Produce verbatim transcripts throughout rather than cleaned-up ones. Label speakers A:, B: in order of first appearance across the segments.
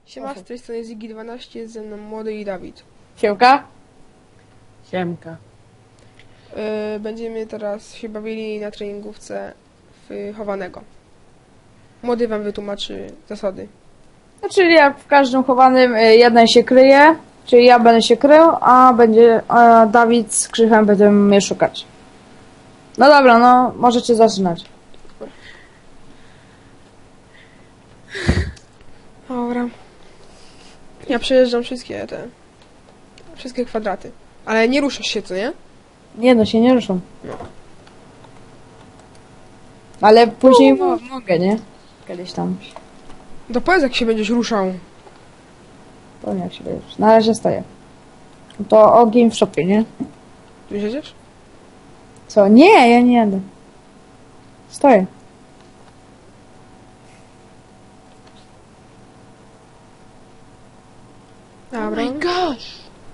A: Siema, z tej strony Ziggy dwanaście, jest ze mną Młody i Dawid.
B: Siemka.
C: Siemka.
A: Yy, będziemy teraz się bawili na treningówce w chowanego. Młody wam wytłumaczy zasady.
B: No, czyli jak w każdym chowanym y, jeden się kryje, czyli ja będę się krył, a będzie a Dawid z Krzychem będziemy mnie szukać. No dobra, no możecie zaczynać.
A: Dobra. Ja przejeżdżam wszystkie te... Wszystkie kwadraty. Ale nie ruszasz się, co nie?
B: Nie no, się nie ruszą.
A: No.
B: Ale później mo mogę, nie? Kiedyś tam.
A: To powiedz, jak się będziesz ruszał.
B: Powiem jak się będziesz. Na razie stoję. To ogień w szopie, nie?
A: Tu jedziesz?
B: Co? Nie, ja nie jadę. Stoję.
C: Oh
A: Dobra.
C: my gosh!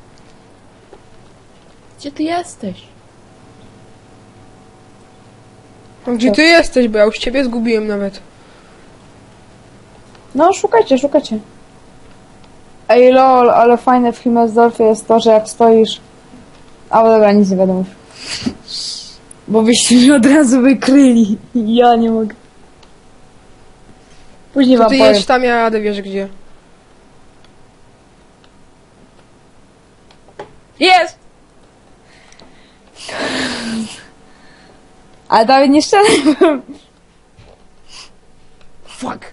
C: Gdzie ty jesteś?
A: No, gdzie ty jesteś, bo ja już ciebie zgubiłem nawet.
B: No, szukajcie, szukajcie. Ej, lol, ale fajne w Himmelsdorfie jest to, że jak stoisz... A, dobra, nic nie wiadomo. Bo byście mnie od razu wykryli. Ja nie mogę. Później
A: To
B: wam
A: ty
B: powiem.
A: jedź tam, ja jadę, wiesz gdzie.
B: Jest! Ale Dawid nie strzelaj.
C: Fuck!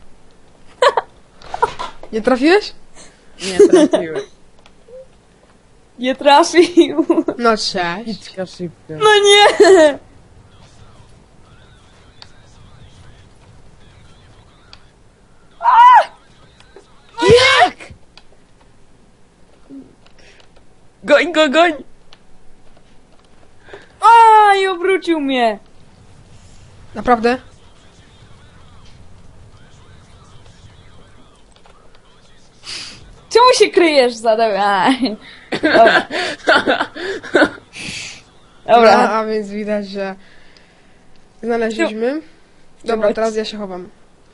A: Nie trafiłeś?
C: Nie trafiłem.
B: Nie trafił.
A: No cześć.
C: Idźka szybko.
B: No nie!
C: Jak? Goń go, goń!
B: A, i obrócił mnie.
A: Naprawdę?
B: Czemu się kryjesz za Dawid? Dobra.
A: No,
B: Dobra.
A: a więc widać, że znaleźliśmy. Dobra, teraz ja się chowam.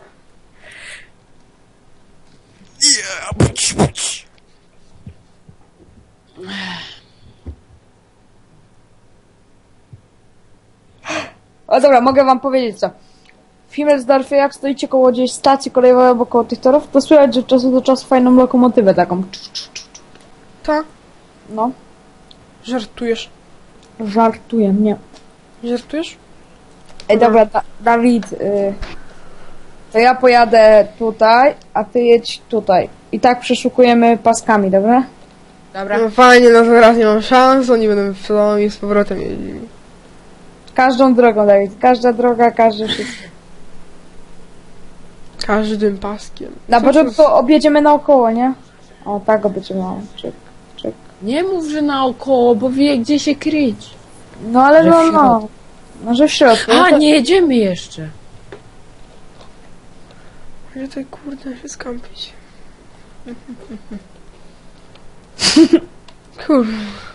B: O dobra, mogę wam powiedzieć co. W Himmelsdorfie jak stoicie koło gdzieś stacji kolejowej albo koło tych torów, to słychać, że od czasu do czasu fajną lokomotywę taką.
A: Ta?
B: No,
A: Żartujesz?
B: żartuję, nie.
A: Żartujesz?
B: Ej, dobra, da Dawid, y to ja pojadę tutaj, a ty jedź tutaj. I tak przeszukujemy paskami, dobra?
C: Dobra.
A: No fajnie, no teraz nie mam szans, oni będą w domu i z powrotem jeździli.
B: Każdą drogą, Dawid. Każda droga, każdy wszystko.
A: Każdym paskiem.
B: Na
A: Co
B: początku
A: to
B: objedziemy naokoło, nie? O, tak objedziemy. O, czyk, czyk.
C: Nie mów, że naokoło, bo wie gdzie się kryć.
B: No ale
C: Że w
B: no,
C: środku.
B: no. Może w środku.
C: A,
B: no to-
C: nie jedziemy jeszcze.
A: Gdzie tutaj kurde się skampić? Kurde.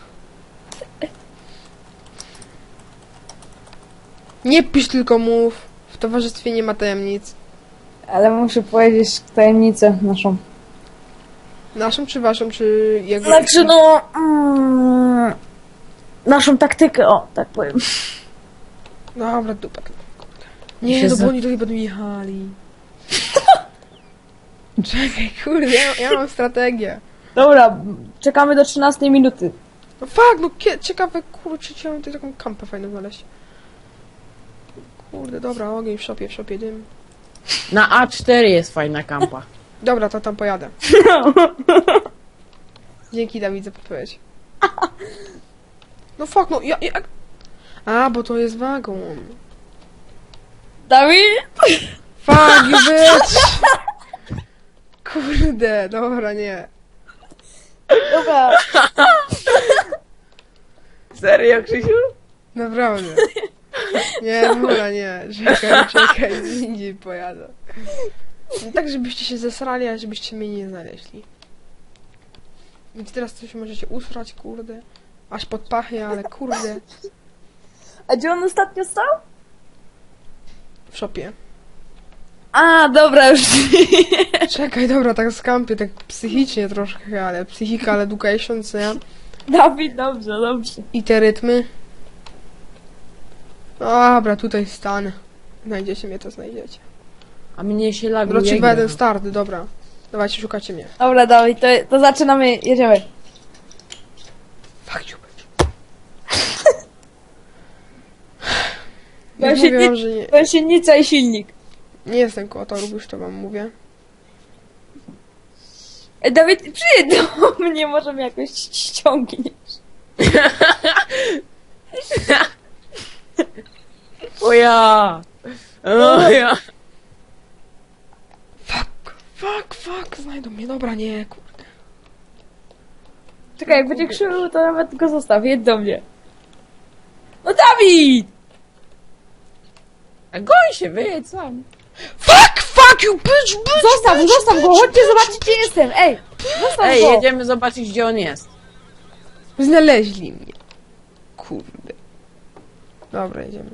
A: Nie pisz, tylko mów. W towarzystwie nie ma tajemnic.
B: Ale muszę powiedzieć tajemnicę naszą.
A: Naszą czy waszą, czy jego?
B: Znaczy no... Mm, naszą taktykę, o, tak powiem.
A: Dobra, dupek. Kurde. Nie,
C: się
A: no
C: za-
A: bo oni tutaj będą jechali. Czekaj, kurde, ja, ja mam strategię.
B: Dobra, czekamy do trzynastej minuty.
A: No fuck, no kie, ciekawe, kurczę, chciałem tutaj taką kampę fajną znaleźć. Kurde, dobra, ogień w szopie, w szopie dym.
C: Na A cztery jest fajna kampa.
A: Dobra, to tam pojadę. Dzięki, Dawid, za podpowiedź. No fuck, no ja, ja... A, bo to jest wagon.
B: Dawid?
A: Fuck, you bitch! Kurde, dobra, nie.
B: Dobra.
C: Serio, Krzysiu?
A: Naprawdę. Nie, dobra, nie. Czekaj, czekaj, z indziej pojadę. No tak, żebyście się zesrali, a żebyście mnie nie znaleźli. Więc teraz coś możecie usrać, kurde. Aż pod pachy, ale kurde.
B: A gdzie on ostatnio stał?
A: W szopie.
B: A, dobra, już.
A: Czekaj, dobra, tak skampię, tak psychicznie troszkę, ale psychika, education, co ja?
B: Dawid, dobrze, dobrze.
A: I te rytmy. Dobra, tutaj stanę. Znajdziecie mnie, to znajdziecie.
C: A mnie się laguje.
A: Wróci
C: gra.
A: jeden start, dobra. Dawajcie, szukacie mnie.
B: Dobra, Dawid, to, to zaczynamy, jedziemy.
A: Fuck you, bitch.
B: Ja
A: Już
B: się
A: mówię
B: nie-
A: wam, że nie,
B: Gąsienica i silnik.
A: nie jestem koło torów, już to wam mówię.
B: Ej, Dawid, przyjedź do mnie, może mnie jakoś ściągniesz.
C: O ja! O ja!
A: Fuck, fuck, fuck, znajdą mnie, dobra, nie, kurde.
B: Czekaj, jak będzie krzył, to nawet go zostaw, jedź do mnie. No Dawid!
C: A goń się, wyjedź sam.
A: Fuck, fuck you, bitch, bitch!
B: Zostaw, zostaw go, chodźcie zobaczyć, gdzie jestem, ej! Zostaw
C: Ej,
B: go!
C: jedziemy zobaczyć, gdzie on jest.
A: Znaleźli mnie. Kurde. Dobra, jedziemy.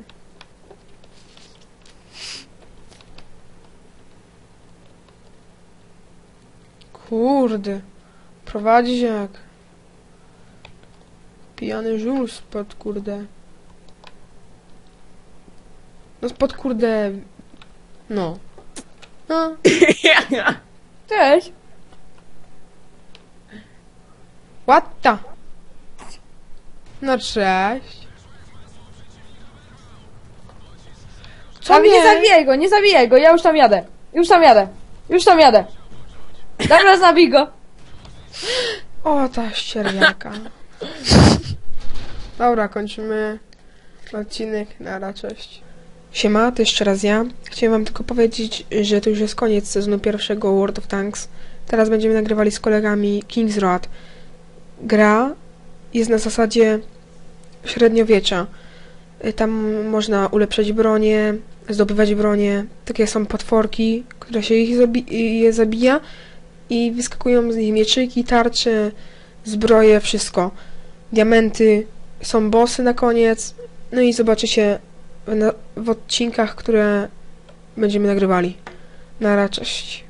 A: Kurde. Prowadzi się jak pijany żul spod kurde. No spod kurde. No. No.
B: Cześć!
A: What the? No cześć. Co
B: Dawid, nie
A: nie?
B: zabijaj go, nie zabijaj go, ja już tam jadę. Już tam jadę. Już tam jadę. Dobra, zabij go.
A: O, ta ścierniaka. Dobra, kończymy odcinek. Nara, cześć. Siema, to jeszcze raz ja. Chciałem wam tylko powiedzieć, że to już jest koniec sezonu pierwszego World of Tanks. Teraz będziemy nagrywali z kolegami King's Road. Gra jest na zasadzie średniowiecza. Y, Tam można ulepszać bronię, zdobywać bronię. Takie są potworki, które się ich zabi- je zabija i wyskakują z nich mieczyki, tarcze, zbroje, wszystko. Diamenty, są bossy na koniec. No i zobaczycie w, na- w odcinkach, które będziemy nagrywali. Nara, cześć.